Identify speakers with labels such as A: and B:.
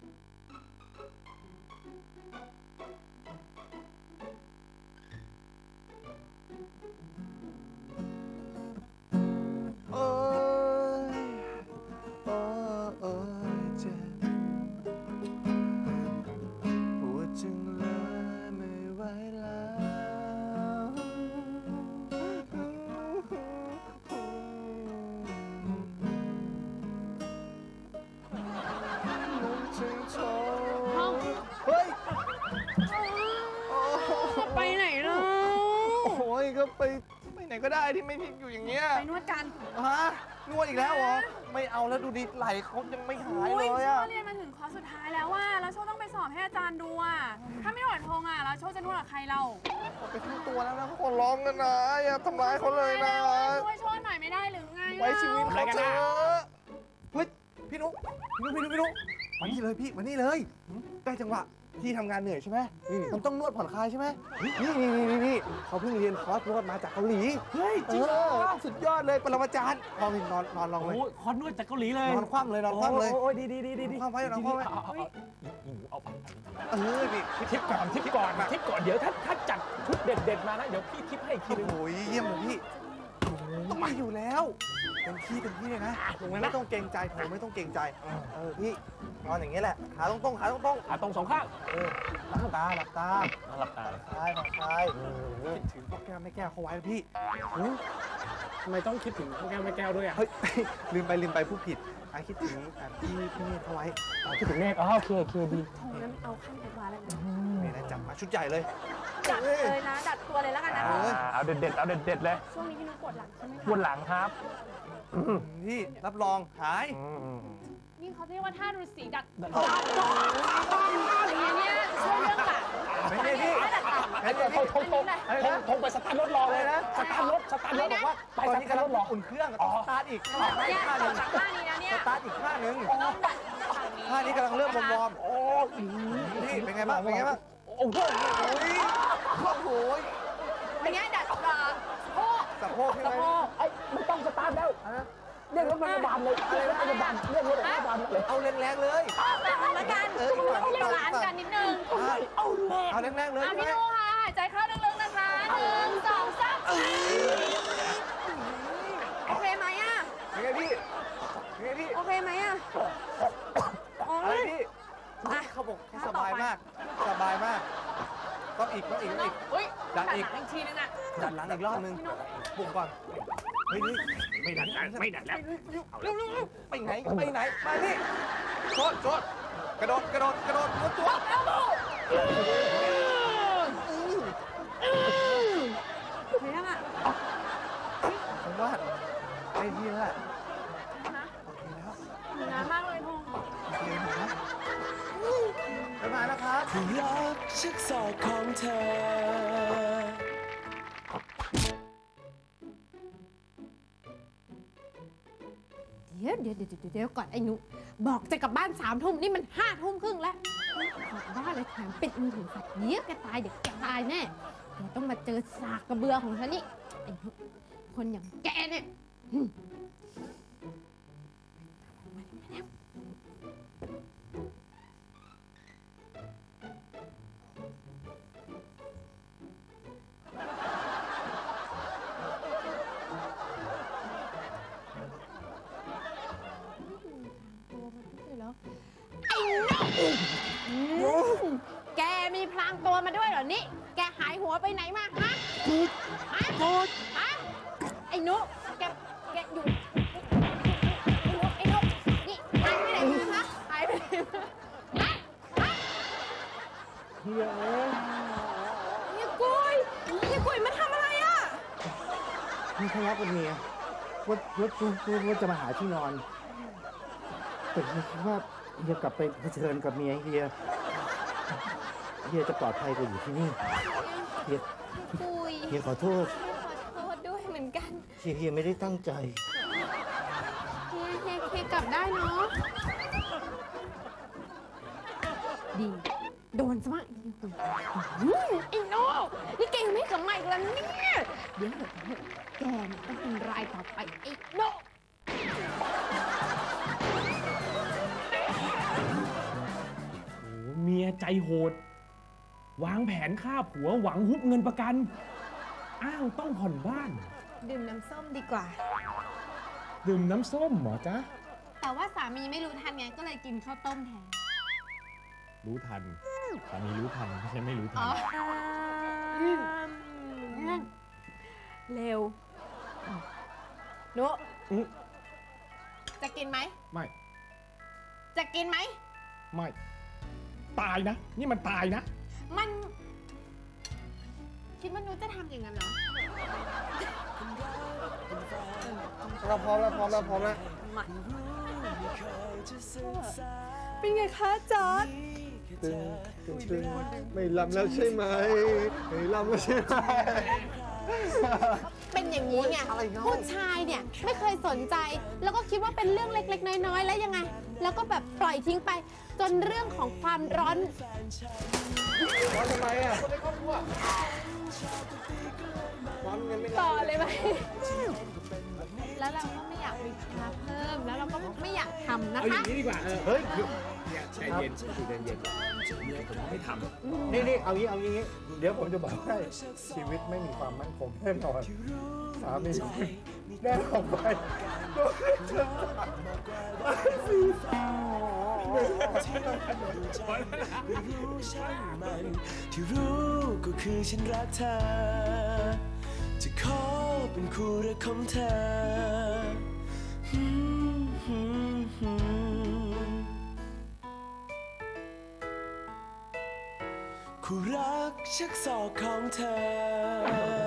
A: ไปไหนล่ะ
B: โอ้ยก็ไปไหนก็ได้ที่ไม่พิกอยู่อย่างเงี้ย
A: ไปนวดกัน
B: ฮะนวดอีกแล้วเหรอไม่เอาแล้วดูดิไหล่เขายังไม่หายเลยอะ
A: โชเรียนมาถึงคอร์สสุดท้ายแล้วว่าแล้วโชต้องไปสอบให้อาจารย์ดูอ่ะถ้าไม่หวัดทงอ่ะแล้วโชจะนวดกับใครเรา
B: ไปทั้งตัวแล้วนะเขาขอร้องกันนะอย่าทำร้ายเขาเลยนะ
A: ช่วยโชหน่อยไม่ได้หรือไง
B: ไว้ชีวิตเขาเถอะเฮ้ยพี่นุ๊กมานี่เลยพี่มานี่เลยได้จังหวะที่ทำงานเหนื่อยใช่ไหมมันต้องนวดผ่อนคลายใช่ไหมนี่เขาเพิ่งเรียนคอร์สนวดมาจากเกาหลี
C: เฮ้ยจริงเหรอ
B: สุดยอดเลยปรมาจารย์ลองนอนลองเลย
C: โอ้ยคอร์สนวดจากเกาหลีเลย
B: นอนคว่ำเลยโ
C: อ้ยดี
B: คว่ำไว้
C: เอาไป
B: นี่
C: ทิปก่อนเดี๋ยวถ้าจัดชุดเด็ดๆมานะเดี๋ยวพี่ทิปให้อีกทีนึง
B: โอ้ยเยี่ยมเลยพี่ต้องมาอยู่แล้วเต็มที่เลยนะไม่ต้องเกรงใจผมไม่ต้องเกรงใจพี่นอนอย่างนี้แหละขาตรง
C: ขาตรงสองข้าง
B: หลับตาผ่อนคลายคิดถึงพ่อแก้วแม่แก้วเขาไว้พี่
C: ทำไมต้องคิดถึงพ่อแก้วแม่แก้วด้วยอ่ะ
B: เฮ้ยลืมไปพูดผิดคิดถึงพี่เนตรเขาไว้
C: คิดถึงเนตรโอเคดี
A: งั้นเอาขั้นไปวาแล้วนะ
B: นี่นะจัดมาชุดใหญ่เลย
A: จัดเลยนะดัดตัวเลยแล้วกันนะ
C: เอาเด็ดเลย
A: ช่วงนี้พี่นุ๊กปวดหลังใช่ไหมคะ
C: ปวดหลังครับ
B: นี่รับรองหาย
A: นี่เขาเรียกว่าท่าฤาษีดัดอย่างนี้ช่วยเรื่องหลัง
B: ไม่ใช่พี่
C: ทงไปสตาร์ทรถรอเลยนะสตาร์ทรถบอกว่าไป
B: ตอนนี้กำลังอุ่นเครื่องสตาร์ทอีก
A: ท่านี้นะเนี่ย
B: สตาร์ทอีกท่านึงท่านี้กำลังเริ่มวอร์มนี่เป็นไงบ้าง
C: โอ้โห
A: เป็นไงดัด
B: สะโพกใช่ไหม
C: ไม่ต้องสตาร์ทแล้วเรียกรถพยาบาลเลยอะไรนะพยาบาลเรียกรถพยาบาลเลย
B: เอาแรงๆเลย
A: ละกันเรียกร้านกันนิดนึง
B: เอาแรงๆเลย
A: พี่นุ๊กค่ะหายใจเข้าลึกๆนะคะ1 2 3โอเคไหมอ่ะ
B: เป็นไงพี่
A: โอเคไหมอ่ะ
B: อะไรพี่เขาบอกสบายมากต้องอีก
A: ดันอีกทีนึงอ่ะ
B: ดันหลังอีกรอบนึงปลุกก่อนเฮ้ย
C: ไม่ดันแล้ว
B: เอาเร็วไปไหนมานี่โจดกระโดดตัว
A: เฮ้ยอ่ะ
B: ผมว่าไอ้ที่นั่นแหละ
A: น้ำมากเลยทง
B: ไปมาแล้วครับ
D: รักชักศอกของเธอ
E: เดี๋ยวก่อนไอ้หนูบอกจะกลับบ้าน3 ทุ่มนี่มัน5 ทุ่มครึ่งแล้วกลับบ้านเลยแถมปิดมือถือสัตว์เดี๋ยวแกตายแน่แกต้องมาเจอสากกระเบือของฉันนี่ไอ้คนอย่างแกเนี่ยแกมีพลางตัวมาด้วยเหรอนี่แกหายหัวไปไหนมาฮะไอ้นุแกอยู่ไอ้นุนี่หายไปไหนมาคะหายไปไหนมา
C: เฮีย
E: กุยมาทำอะไรอ่ะ
C: นี่ทะเลาะกับเมียว่าจะมาหาที่นอนแต่คิดว่าเฮียกลับไปเผชิญกับเมียเฮียจะปลอดภัยกว่าอยู่ที่นี่เฮียขอโทษ
E: ด้วยเหมือนกัน
C: เฮียไม่ได้ตั้งใจ
E: เฮียกลับได้เนาะดีโดนซะมั้งไอ้โน่นี่แกยังไม่กลับมาอีกแล้วเนี่ยเดี๋ยวแกต้องเป็นรายต่อไปไอ้โน่
F: ใจโหด วางแผนฆ่าผัวหวังฮุบเงินประกัน อ้างต้องผ่อนบ้าน
E: ดื่มน้ำส้มดีกว่า
F: ดื่มน้ำส้มเหรอจ๊ะ
E: แต่ว่าสามีไม่รู้ทันไงก็เลยกินข้าวต้มแทน
F: รู้ทันสามีรู้ทันไม่ใช่ไม่รู้ทัน
E: เร็วนุ
F: อื้อ
E: จะกินไหม
F: ไม่
E: จะกินไหม
F: ไม่ ตายนะ นี่มันตายนะ
E: มัน คิดว่านุจะทำอย่างนั้นเหรอ
B: เราพร้อมแล้วพร้อมแล้วพร้อมแล้ว
A: เป็นไงคะจอร์ด
B: ตึงไม่ลำแล้วใช่ไหมไม่ลำแล้วใช่ไหม
E: เป็นอย่างนี้ไง
B: อะไรเนอะ
E: ผู้ชายเนี่ยไม่เคยสนใจ แล้วก็คิดว่าเป็นเรื่องเล็กๆ น้อยๆ แล้วยังไง แล้วก็แบบปล่อยทิ้งไป จนเรื่องของความร้อน
B: ร้อนทำไมอ่ะคนในครอบครัวร้อนเงินไม่ได้
E: ต่อเลยไหม แล้วเราก็ไม่อยากมีภาระเพิ่ม แล้วเราก็ไม่อยากทำนะ
F: เอาอย่า
E: คะ
F: งนี้ดีกว่า
B: เฮ้ย
F: เนี่ยใจเย็นใจเย็นเมียผมไม่ทำ
C: นี่เอางี้ เดี๋ยวผมจะบอกให้ชีวิตไม่มีความมั่นคงแน่นอนสามีแน่ออกไปโดนเชื่อ
D: ที่รู้ก็คือฉันรักเธอ จะขอเป็นคู่รักของเธอ คู่รักชักศอกของเธอ